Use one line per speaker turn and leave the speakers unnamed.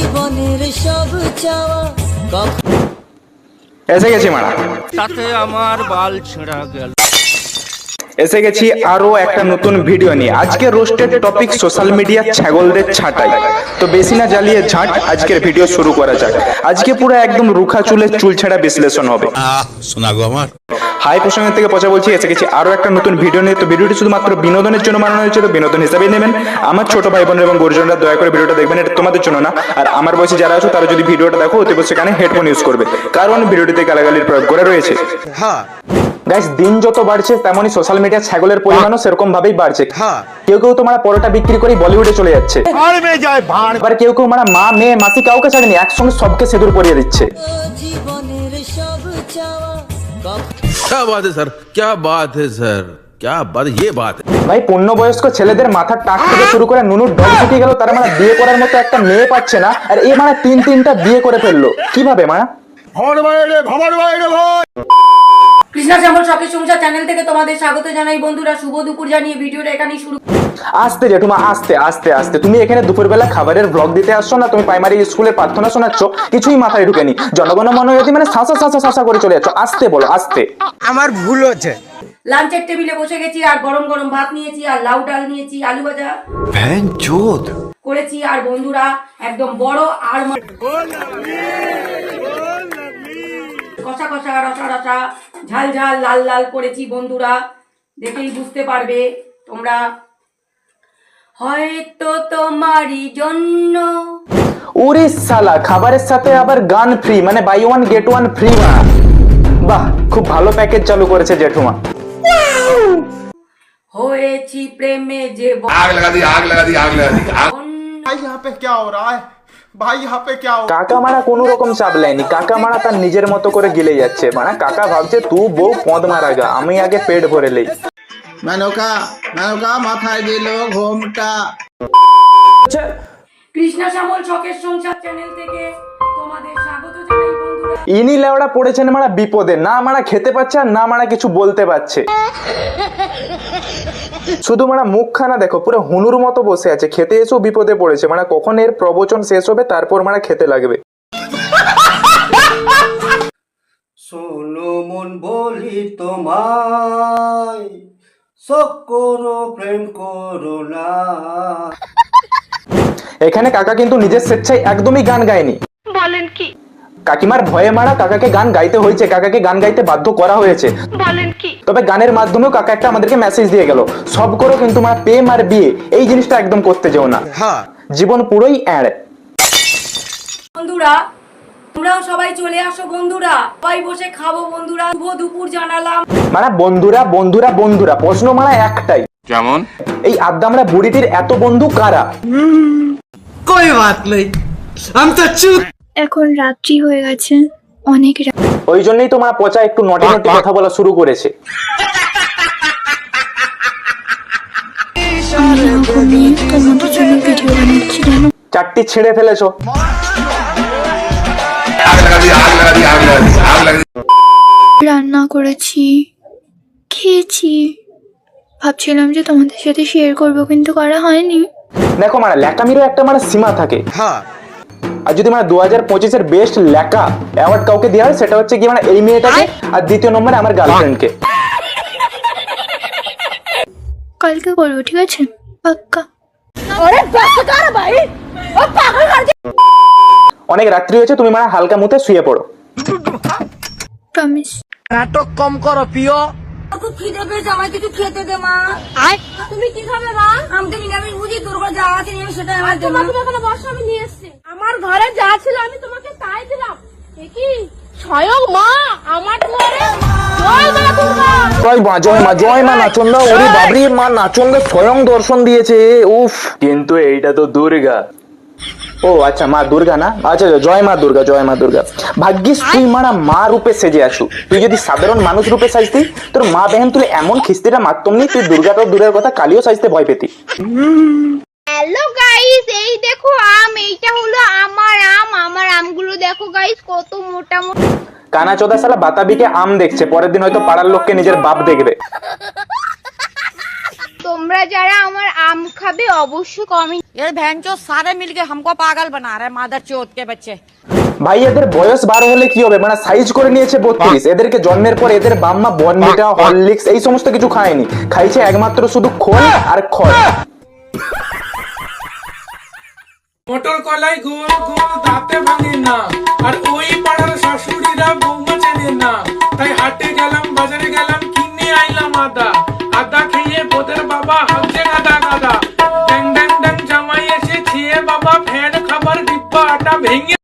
জীবনের সব চাওয়া
এসে গেছি মারা,
তাতে আমার বাল ছেঁড়া গেল।
এসে গেছি আরো একটা নতুন ভিডিও নিয়ে। আজকে রোস্টেড টপিক সোশ্যাল মিডিয়া ছাগলদের ছাঁটাই। তো বেশি না জ্বালিয়ে ঝাঁট আজকের ভিডিও শুরু করা যাক। আজকে পুরো একদম রুখা চুলের চুল ছাড়া বিশ্লেষণ হবে।
শোনা গো আমার
হাই প্রসঙ্গের থেকে পচা বলছি, এসে গেছি আরো একটা নতুন ভিডিও নিয়ে। তো ভিডিওটি শুধুমাত্র বিনোদনের জন্য বানানো হয়েছে, তো বিনোদন হিসাবেই নেবেন। আমার ছোট ভাই বোন এবং গুরুজনরা দয়া করে ভিডিওটা দেখবেন, এটা তোমাদের জন্য না। আর আমার বয়সী যারা আছো তারা যদি ভিডিওটা দেখো অতি অবশ্যই কানে হেডফোন ইউজ করবে, কারণ ভিডিওটিতে গালাগালির প্রয়োগ করা রয়েছে।
হ্যাঁ
গাইস, দিন যত বাড়ছে তেমনই সোশ্যাল মিডিয়া ছাগলের পরিমাণও সেরকম ভাবেই বাড়ছে।
হ্যাঁ
কেউ কেউ তোমার পরোটা বিক্রি করে বলিউডে চলে যাচ্ছে, আবার কেউ কেউ মানে মা মেয়ে মাসি কাউকে ছাড়েনি, একসঙ্গে সবকে সিঁদুর পরিয়ে দিচ্ছে।
জীবনের সব চাওয়া
क्या बात है सर, क्या बात है सर, क्या बात, ये बात है।
ভাই, পূর্ণবয়স্ক ছেলেদের মাথার টাক থেকে শুরু করে নুনুর ডগ শুকিয়ে গেল, তারা মানে বিয়ে করার মতো একটা মেয়ে পাচ্ছে না, আর এই মানে তিনটা বিয়ে করে ফেললো। কিভাবে মানে?
কৃষ্ণা শ্যামল শখের সংসার চ্যানেল থেকে তোমাদের স্বাগত জানাই বন্ধুরা। শুভ দুপুর জানিয়ে ভিডিওটা এখানেই শুরু।
আস্তে জেঠুমা, আস্তে আস্তে আস্তে। তুমি এখানে দুপুরবেলা খাবারের ব্লগ দিতে আসছো না, তুমি প্রাইমারি স্কুলের প্রার্থনা শোনাচ্ছ, কিছুই মাথায় ঢুকেনি। জনগণ মনোরথী মানে শাঁসা শাঁসা শাঁসা করে চলে যাচ্ছ। আস্তে বলো, আস্তে।
আমার ভুল হচ্ছে।
লাঞ্চের টেবিলে বসে গেছি, আর গরম গরম ভাত নিয়েছি, আর লাউ ডাল নিয়েছি, আলু ভাজা করেছি, আর বন্ধুরা একদম বড় আর কষা কষা রসা রসা ঝাল ঝাল লাল লাল করেছি বন্ধুরা, দেখেই বুঝতে পারবে তোমরা। হয়তো তোমারই জন্য।
ওরে সালা, খাবারের সাথে আবার গান ফ্রি, মানে buy one get one free. বাহ, খুব ভালো প্যাকেজ চালু করেছে জেঠুমা।
হয়েছি প্রেমে যে
आग लगा दी, आग लगा दी, आग लगा दी।
भाई यहाँ पे क्या हो रहा है भाई, यहाँ पे क्या हो।
কাকা মারা কোনো রকম চাপ লাইনি, কাকা মারা তার নিজের মতো করে গিলে যাচ্ছে। মানে কাকা ভাবছে তুই বউ পদ মারা গা, আমি আগে পেট ভরে লই।
মেনকা মাথায় দিল ঘোমটা।
কৃষ্ণা শ্যামল শখের সংসার চ্যানেল থেকে তোমাদের স্বাগত জানাই বন্ধুরা।
ইনি লেওড়া পড়েছেন মারা বিপদে, না মারা খেতে পাচ্ছে আর না মারা কিছু বলতে পারছে। শুধু মারা মুখখানা দেখো, পুরো হুনুর মতো বসে আছে, খেতে এসেও বিপদে পড়েছে। মানে কখন এর প্রবচন শেষ হবে তারপর মারা খেতে লাগবে।
শোনো মন বলি তোমায়, শোক করো প্রেম করো না।
এখানে কাকা কিন্তু নিজের স্বেচ্ছায় একদমই গান গায়নি।
বলেন কি?
কাকিমার ভয়ে মারা কাকাকে গান গাইতে হয়েছে, কাকাকে গান গাইতে বাধ্য করা হয়েছে।
বলেন কি?
তবে গানের মাধ্যমেও কাকা একটা আমাদেরকে মেসেজ দিয়ে গেল, সব করো কিন্তু মানে প্রেম আর বিয়ে এই জিনিসটা একদম করতে যেও না,
হ্যাঁ
জীবন পুরোই অ্যাড।
বন্ধুরা তোমরাও সবাই চলে আসো বন্ধুরা, সবাই বসে খাবো বন্ধুরা। শুভ দুপুর জানালাম।
মানে বন্ধুরা বন্ধুরা বন্ধুরা, প্রশ্ন মানে একটাই,
যেমন
এই আদ্দামরা বুড়িটির এত বন্ধু কারা?
कोई बात नहीं, हम तो चुप।
এখন রাত্রি হয়ে গেছে, অনেক
ওই জন্যই তোমার পচা একটু নটি নটি কথা বলা শুরু করেছে।
তোমাদের জন্য ভিডিও বানাচ্ছি জানো।
চারটি ছিঁড়ে ফেলেছো।
आग लगा दी, आग लगा दी, आग लगा दी, आग लगा दी।
রান্না করেছি, খেয়েছি, ভাবছিলাম যে তোমাদের সাথে শেয়ার করবো কিন্তু করা হয়নি।
দেখো মানে ল্যাকামিরও একটা মানে সীমা থাকে।
হ্যাঁ
আর যদি মানে 2025-এর বেস্ট ল্যাকা অ্যাওয়ার্ড কাউকে দেওয়া হয়, সেটা হচ্ছে কি মানে এই মেয়েটাকে, আর দ্বিতীয় নম্বরে আমার গার্লফ্রেন্ডকে।
কালকে করবো, ঠিক আছে? পাক্কা।
অনেক রাত্রি হয়েছে, তুমি মানে হালকা মুতে শুয়ে পড়ো।
প্রমিস।
नाटक कम करो पियो।
খুব খিদে পেয়েছে, আমায় কিছু খেতে দে মা। তুমি কি খাবে মা? আমি তো নিরামিষ বুঝি, তোর ঘরে যা আছে নিয়ে সেটা আমার জন্য।
তুমি এখানে বসো, আমি নিয়ে এসেছি। আমার ঘরে যা ছিল আমি তোমাকে তাই দিলাম। কি স্বয়ং মা আমার ঘরে জয় মা দুর্গা।
জয় মা জয় মা জয় মা নাচন্দা, ওরে বাবরি মা নাচন্দা স্বয়ং দর্শন দিয়েছে। উফ, কিন্তু এইটা তো দুর্গা। ও আচ্ছা, মা দুর্গা না? আচ্ছা জয় মা দুর্গা, জয় মা দুর্গা। ভাগ্যিস তুই মারা মা রূপে সেজে আসু, তুই যদি সাধারণ মানুষ রূপে সাজতি তোর মা বেহেন তুলে এমন খিস্তিটা মারতম নি, তুই দুর্গাটাও দূরের কথা কালিও সাজতে ভয় পেতি।
হ্যালো গাইস, এই দেখো আম, এইটা হলো আমার আম। আমার আমগুলো দেখো গাইস কত মোটা মোটা।
কানা চোদা শালা বাতাবিকে আম দেখছে, পরের দিন হয়তো পাড়ার লোককে নিজের বাপ দেখবে।
তোমরা তোমরা যারা আমার আম খাবে অবশ্যই কমেন্ট।
ये बहन चो सारे मिलके हमको पागल बना रहे मादर चोत के बच्चे।
ভাই এদের বয়স 12 হলে কি হবে, মানে সাইজ করে নিয়েছে 32। এদেরকে জন্মের পর এদের বাম্মা বর্নভিটা হরলিক্স এই সমস্ত কিছু খায়নি, খাইছে একমাত্র শুধু খোল আর খড়।
মোটর কলাই গোল গোল দাঁতে ভাঙে না, আর ওই পাড়ার শাশুড়িরা বৌমা চেনে না। তাই হাটে গেলাম, বাজারে গেলাম, কিনে আইলাম আদা। আদা খেয়ে বোদের বাবা হচ্ছে গাদা গাদা। ড্যাং ড্যাং ড্যাং জামাই এসে খেয়ে বাবা ফ্যান খাবার ডিব্বা আটা ভেঙে